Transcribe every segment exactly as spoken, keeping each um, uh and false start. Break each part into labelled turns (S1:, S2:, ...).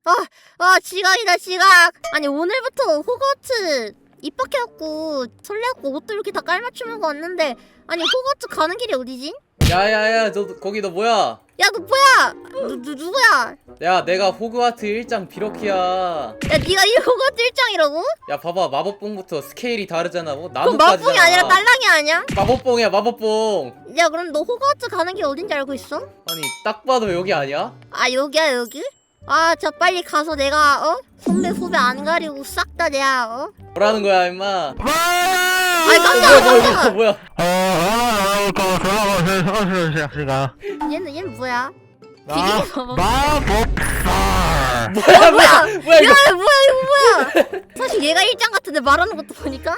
S1: 아, 아 지각이다 지각. 아니 오늘부터 호거트 입학해갖고 설레갖고 옷도 이렇게 다 깔맞춤하고 왔는데 아니 호거트 가는 길이 어디지?
S2: 야야야 너 거기 너 뭐야?
S1: 야 너 뭐야? 누, 누, 누구야?
S2: 야 내가 호그와트 일장 비로키야.
S1: 야 니가 이 호거트 일장이라고?
S2: 야 봐봐 마법봉부터 스케일이 다르잖아. 뭐
S1: 그럼
S2: 나뭇가지잖아.
S1: 마법봉이 아니라 딸랑이 아니야?
S2: 마법봉이야 마법봉.
S1: 야 그럼 너 호거트 가는 길 어딘지 알고 있어?
S2: 아니 딱 봐도 여기 아니야?
S1: 아 여기야 여기? 아 저 빨리 가서 내가 어? 선배 후배 안 가리고 싹 다 내가 어?
S2: 뭐라는 거야 임마?
S1: 아니
S2: 어,
S1: 깜짝아
S2: 뭐야
S1: 깜짝아.
S2: 뭐야 뭐야?
S1: 얘는 얘는 뭐야?
S3: 마-
S1: 비기기 마법.
S3: 마법사.
S2: 뭐야 뭐야 뭐야
S1: 야
S2: 이거?
S1: 뭐야 이거 뭐야? 사실 얘가 일장 같은데 말하는 것도 보니까.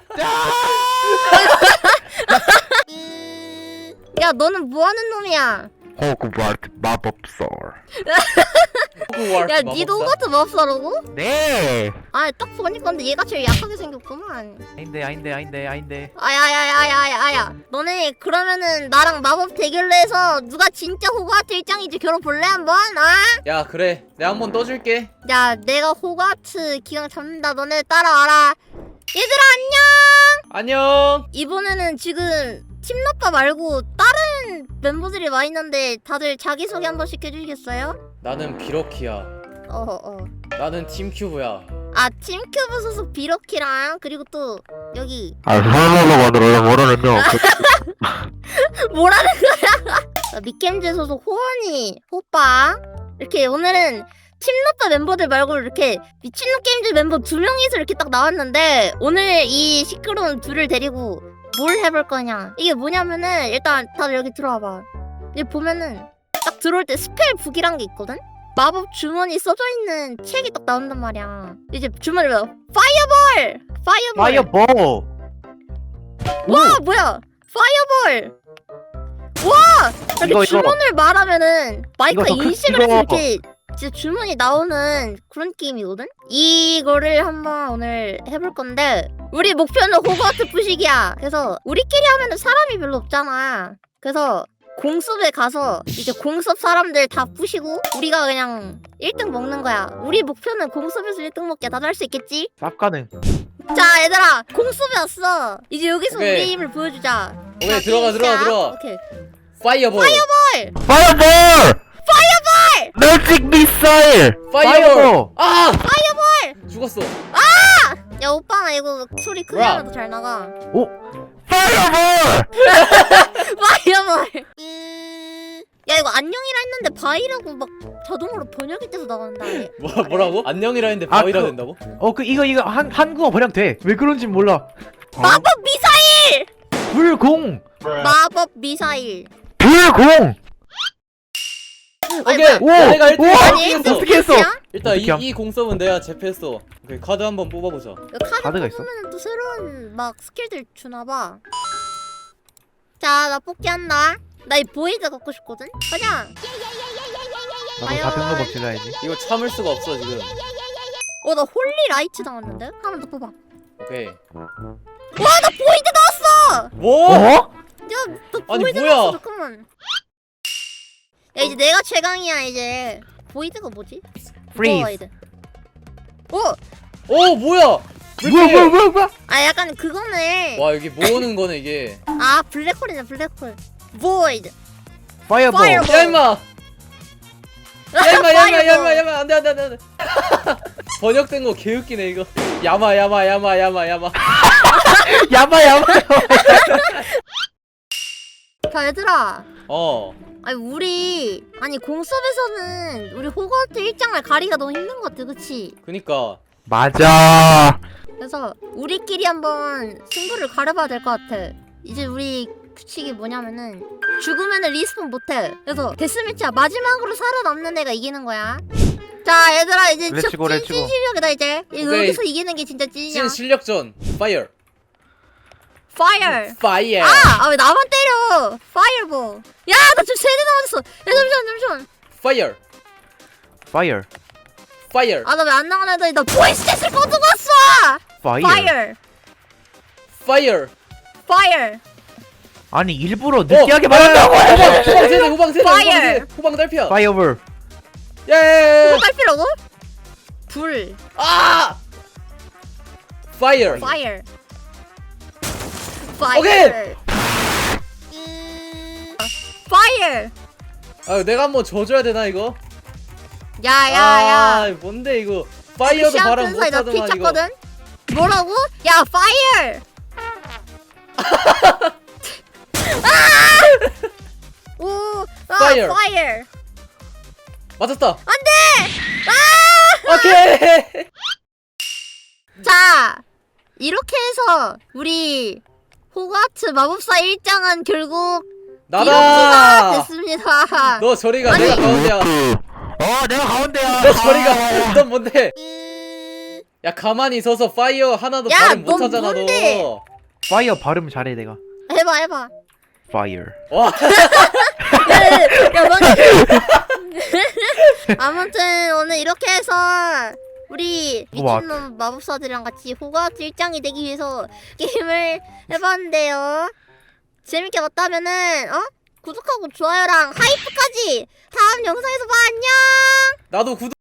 S1: 야 너는 뭐하는 놈이야?
S3: 호그와트 마법사.
S2: 호그와트
S1: 야
S2: 마법사?
S1: 니도 호거트 마법사라고?
S3: 네.
S1: 아 딱 보니까 근데 얘가 제일 약하게 생겼구만.
S3: 아닌데 아닌데 아닌데 아닌데.
S1: 아야야야야야야 너네 그러면은 나랑 마법 대결로 해서 누가 진짜 호그와트 일장인지 겨뤄 볼래 한번? 아?
S2: 야 그래 내가 한번 떠줄게.
S1: 야 내가 호그와트 기강 잡는다 너네 따라와라. 얘들아 안녕.
S2: 안녕.
S1: 이번에는 지금 팀나빠 말고 다른 멤버들이 와 있는데 다들 자기소개 한 번씩 해주시겠어요?
S2: 나는 비로키야.
S1: 어어
S2: 나는 팀큐브야.
S1: 아 팀큐브 소속 비로키랑 그리고 또 여기
S3: 아 설마로 만들어 모르는요.
S1: 뭐라는 거야? 아, 미겜즈 소속 호원이 호빠 이렇게 오늘은 팀나빠 멤버들 말고 이렇게 미친놈 게임즈 멤버 두 명이서 이렇게 딱 나왔는데 오늘 이 시끄러운 둘을 데리고 뭘 해볼 거냐 이게 뭐냐면은 일단 다들 여기 들어와봐. 여기 보면은 딱 들어올 때 스펠 북이란 게 있거든? 마법 주머니 써져 있는 책이 딱 나온단 말이야. 이제 주머니 뭐야? 파이어볼! 파이어볼!
S3: 파이어볼.
S1: 와 뭐야? 파이어볼! 와! 이렇게
S3: 이거, 이거.
S1: 주문을 말하면은 마이크가
S3: 이거 더 큰-
S1: 인식을 해서
S3: 이거.
S1: 이렇게 진짜 주문이 나오는 그런 게임이거든? 이거를 한번 오늘 해볼 건데 우리 목표는 호그와트 부식이야. 그래서 우리끼리 하면은 사람이 별로 없잖아. 그래서 공습에 가서 이제 공습 사람들 다 부시고 우리가 그냥 일 등 먹는 거야. 우리 목표는 공습에서 일 등 먹게. 다들 할 수 있겠지?
S3: 쌉 가능.
S1: 자 얘들아 공습에 왔어. 이제 여기서
S2: 오케이.
S1: 우리 힘을 보여주자.
S2: 오케이
S1: 자,
S2: 들어가 들어가
S1: 시작.
S2: 들어가.
S1: 오케이.
S2: 파이어볼.
S1: 파이어볼!
S3: 파이어볼. 파이어볼. 매직 미사일.
S2: 파이어볼. 아
S1: 파이어볼!
S2: 죽었어.
S1: 야 오빠 나 이거 소리 크게
S2: 뭐야?
S1: 하면 더 잘 나가.
S3: 오. 파이어볼.
S1: 파이어볼! 야 이거 안녕이라 했는데 바이라고 막 자동으로 번역이 돼서 나간다. 얘.
S2: 뭐 뭐라고? 안녕이라 했는데
S3: 아,
S2: 바위라
S3: 그-
S2: 된다고?
S3: 어 그 이거 이거 한 한국어 번역 돼. 왜 그런지 몰라.
S1: 마법 미사일!
S3: 불공.
S1: 마법 미사일.
S3: 불공.
S1: 아니,
S2: 오케이.
S1: 뭐야?
S3: 오.
S2: 내가 일 등
S3: 오.
S1: 아니,
S2: 했어.
S3: 어떻게 했어?
S1: 끝이야?
S2: 일단
S3: 어떻게 함?
S2: 이, 이 공섭은 내가 제패했어. 오케이 카드 한번 뽑아보자.
S1: 이거 카드
S3: 카드가 있어?
S1: 뽑으면 또 새로운 막 스킬들 주나봐. 자 나 뽑기 한다. 나 이 보이드 갖고 싶거든? 가자!
S3: 나도
S1: 과연?
S3: 사등로 먹질러야지.
S2: 이거 참을 수가 없어 지금.
S1: 어 나 홀리 라이트 나왔는데? 하나 더 뽑아.
S2: 오케이.
S1: 와 나 보이드 나왔어!
S2: 뭐?
S3: 어?
S1: 야, 너
S2: 아니,
S1: 보이드
S2: 뭐야?
S1: 나왔어 잠깐만. 야 이제 내가 최강이야 이제. 보이드가 뭐지?
S3: 프리즈.
S1: 보이드. 오!
S2: 오 뭐야? 왜
S3: 뭐야
S2: 이렇게-
S3: 뭐야 뭐야 뭐야?
S1: 아 약간 그거네.
S2: 와 여기 모으는 거네 이게.
S1: 아 블랙홀이네 블랙홀. 보이드.
S3: 파이어볼.
S1: 파이어볼.
S2: 야 임마. 야 임마 야 임마 야 임마 야 임마 안돼 안돼 안돼 안돼. 번역된 거 개웃기네 이거. 야마 야마 야마 야마 야마.
S3: 야마 야마.
S1: 자 얘들아.
S2: 어.
S1: 아니 우리 아니 공섭에서는 우리 호거트 일장을 가리기가 너무 힘든 것 같아 그치?
S2: 그니까.
S3: 맞아.
S1: 그래서 우리끼리 한번 승부를 가려봐야 될 것 같아. 이제 우리 규칙이 뭐냐면은 죽으면은 리스폰 못해. 그래서 데스매치야. 마지막으로 살아남는 애가 이기는 거야. 자 얘들아 이제 진짜
S3: 렛츠고, 렛츠고.
S1: 찐 실력이다 이제. 이거
S2: 오케이.
S1: 여기서 이기는 게 진짜 찐이야.
S2: 신 실력전. 파이어.
S1: 파이어.
S2: 파이어.
S1: 아! 아 왜 나만 때려. 파이어볼. 야 나 지금 세대 남았어. 야 잠시만 잠시만.
S2: 파이어.
S3: 파이어.
S2: 파이어.
S1: 아 나 왜 안 나가나 했더니 나 보이스 챗을 꺼두고 왔어.
S3: 파이어.
S1: 파이어.
S2: 파이어.
S1: 파이어.
S3: 아니 일부러 느끼하게
S2: 어,
S3: 말한다고.
S2: 야, 야, 야, 후방 후방 세대 후방 세대 후방
S1: Fire.
S2: 세대 후방 달피야.
S3: 파이어볼.
S2: 야야야야.
S1: 호갈 필요고? 불.
S2: 아! Fire.
S1: Fire. Fire.
S2: 오케이!
S1: 음, Fire.
S2: 아 내가 한번 져줘야 되나 이거?
S1: 야야야.
S2: 아 뭔데 이거? 파이어도 바람
S1: 사이 나
S2: 못하더만 이거.
S1: 피쳤거든. 뭐라고? 야 Fire. 아! 오, 아,
S2: Fire.
S1: Fire.
S2: 맞았다.
S1: 안돼. 아!
S2: 오케이.
S1: 자, 이렇게 해서 우리 호가츠 마법사 일 장은 결국 이렇게가
S2: 나다.
S1: 됐습니다.
S2: 너 저리가.
S1: 아니.
S2: 내가 가운데야.
S3: 어 내가 가운데야.
S2: 너 저리가. 넌 뭔데?
S1: 음,
S2: 야 가만히 있어서 파이어 하나도
S1: 야,
S2: 발음
S1: 넌
S2: 못하잖아
S1: 뭔데?
S2: 너.
S3: 파이어 발음 잘해 내가.
S1: 해봐 해봐.
S3: Fire.
S2: 와.
S1: 야, 뭐- 아무튼 오늘 이렇게 해서 우리
S3: 우와.
S1: 미친놈 마법사들이랑 같이 호가츠 일 장이 되기 위해서 게임을 해봤는데요. 재밌게 봤다면은 어? 구독하고 좋아요랑 하이프까지 다음 영상에서 봐. 안녕.
S2: 나도 구독.